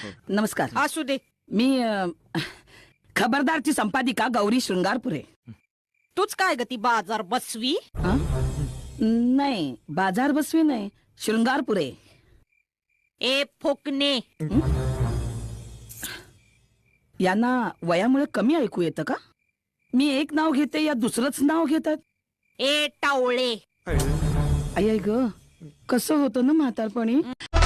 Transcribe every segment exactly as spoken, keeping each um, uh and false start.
नमस्कार. असू दे. मी अ, खबरदारची संपादिका गौरी शृंगारपुरे. तूच काय ग ती बाजार बसवी? हं? नाही, बाजार बसवी नाही, शृंगारपुरे. ए फोकणे. यांना वयामुळे कमी ऐकू येतं का? मी एक नाव घेते या दुसरंच नाव घेतात. ए टावळे. आई आई ग, कसं होतं ना म्हातारपणी.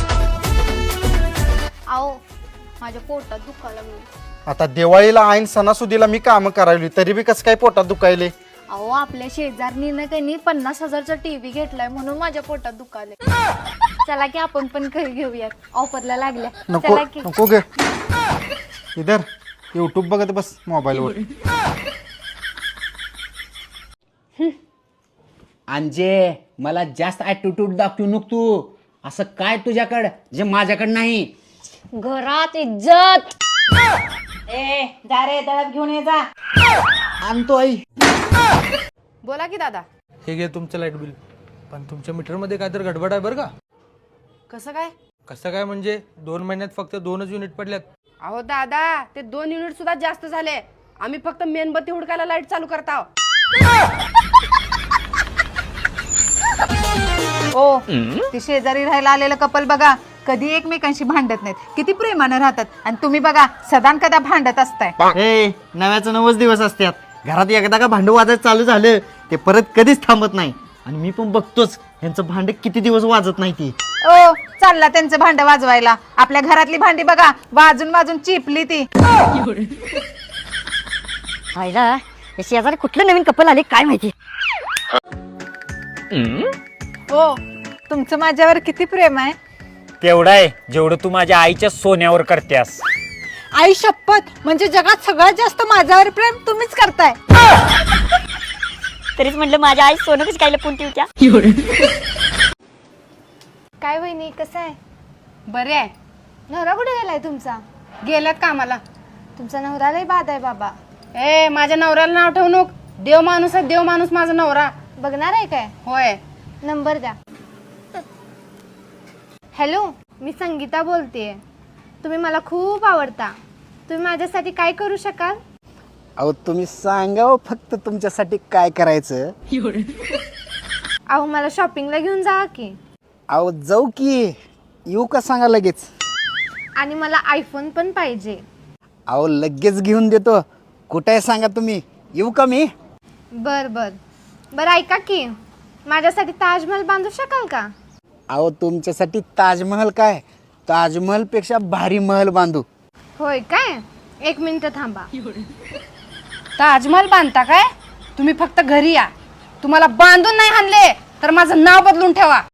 आओ माझ्या पोटात दुखायला लागलं. आता दिवाळीला ऐन सणासुदीला मी काम करायली तरी बी कसं काय पोटात दुखायले. अहो आपल्या शेजारणीनं त्यांनी पन्नास हजारचा टीव्ही घेतलाय म्हणून माझ्या पोटात दुखाले. चला की आपण पण घरी घेऊयात, ऑफरला लागल्या. नको चला की. नको गे इधर युट्यूब बघत बस मोबाईलवर. अंजे मला जास्त ॲटिट्यूड दाखवू नको तू. असं काय तुझ्याकडं जे माझ्याकडं नाही. घरात इज्जत. ए जा रे दळप घेऊन ये जा. आणतो आई. बोला की दादा. हे घे तुमचं लाईट बिल. पण तुमच्या मीटरमध्ये काय तर गडबड आहे बरं का. कसं काय? कसं काय म्हणजे दोन महिन्यात फक्त दोनच युनिट पडल्यात. अहो दादा ते दोन युनिट सुद्धा जास्त झाले. आम्ही फक्त मेणबत्ती हुडकायला लाईट चालू करताव. ओ ती शेजारी राहायला आलेलं कपल बघा, कधी एकमेकांशी भांडत नाहीत, किती प्रेमानं राहतात. आणि तुम्ही बघा सदान कदा भांडत असताय. ए नव्याचं नवच दिवस असतात. घरात एकदा का भांडं वाजायचं चालू झालं ते परत कधीच थांबत नाही. आणि मी पण बघतोच यांचं भांड किती दिवस वाजत नाही ती. ओ चालला त्यांचं भांड वाजवायला. आपल्या घरातली भांडी बघा वाजून वाजून चिपली ती. आईला शेजारी कुठलं नवीन कपल आले काय माहिती. ओ तुमचं माझ्यावर किती प्रेम आहे. तेवढं आहे जेवढं तू माझ्या आईच्या सोन्यावर करतेस. आई शपथ, म्हणजे जगात सगळ्यात जास्त माझ्यावर प्रेम तुम्हीच करताय. तरीच म्हटलं माझ्या आई सोनं कशी काय लपून ठेवत्या. काय वहिनी कसं आहे? बरे आहे. नवरा कुठे गेलाय तुमचा? गेल्यात कामाला. तुमचा नवरा लय बाद आहे बाबा. ए माझ्या नवऱ्याला नाव ठेवू नको. देव माणूस आहे, देव माणूस माझा नवरा. बघणार आहे काय? होय. नंबर द्या. हॅलो, मी संगीता बोलतेय. तुम्ही मला खूप आवडता. तुम्ही माझ्यासाठी काय करू शकाल? अहो तुम्ही सांगा फक्त तुमच्यासाठी काय करायचं. अहो मला शॉपिंगला घेऊन जा की. अहो जाऊ की येऊ का सांगा लगेच. आणि मला आयफोन पण पाहिजे. अहो लगेच घेऊन देतो. कुठे आहे सांगा तुम्ही, येऊ का मी. बर बर बर ऐका की, माझ्यासाठी ताजमहल बांधू शकाल का? अहो तुमच्यासाठी ताजमहल काय, ताजमहल पेक्षा भारी महल बांधू. होय काय? एक मिनिट थांबा. ताजमहल बांधता काय? तुम्ही फक्त घरी या. तुम्हाला बांधून नाही आणले तर माझं नाव बदलून ठेवा.